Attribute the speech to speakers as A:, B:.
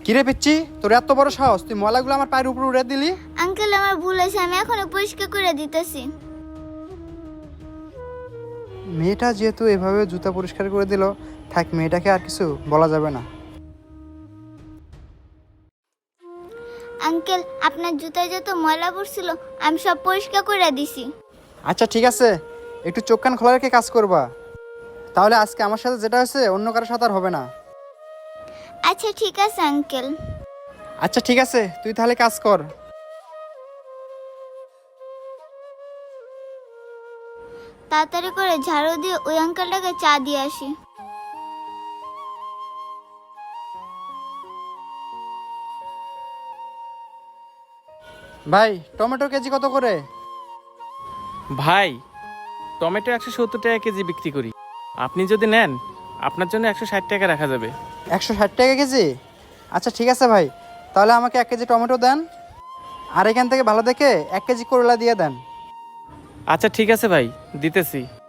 A: কিরে পিচ্ছি, তোর এত বড় সাহস, তুই ময়লাগুলো আমার পায়ের উপর উড়ে দিলি?
B: আঙ্কেল আমার ভুল হয়েছে, আমি এখনো পরিষ্কার করে দিতেছি।
A: মেয়েটা যেহেতু এভাবে জুতা পরিষ্কার করে দিল, থাক, মেয়েটাকে আর কিছু বলা যাবে না।
B: আঙ্কেল আপনার জুতায় যত ময়লা পড়ছিল আমি সব পরিষ্কার করে দিছি।
A: আচ্ছা ঠিক আছে, একটু চোখ কান খোলা রেখে কাজ করবা, তাহলে আজকে আমার সাথে যেটা হয়েছে অন্য কারোর সাথে আর হবে না।
B: আচ্ছা ঠিক আছে আঙ্কেল।
A: আচ্ছা ঠিক আছে, তুই তাহলে কাজ কর।
B: তাড়াতাড়ি করে ঝাড়ু দিয়ে ওই আঙ্কেলটাকে চা দিয়ে আসি।
A: ভাই, টমেটো কেজি কত করে?
C: ভাই, টমেটো 170 টাকা কেজি বিক্রি করি। আপনি যদি নেন, আপনার জন্য 160 টাকা রাখা যাবে।
A: 160 টাকা কেজি? আচ্ছা ঠিক আছে ভাই, তাহলে আমাকে 1 কেজি টমেটো দেন, আর এখান থেকে ভালো দেখে 1 কেজি করলা দিয়ে দেন।
C: আচ্ছা ঠিক আছে ভাই, দিতেছি।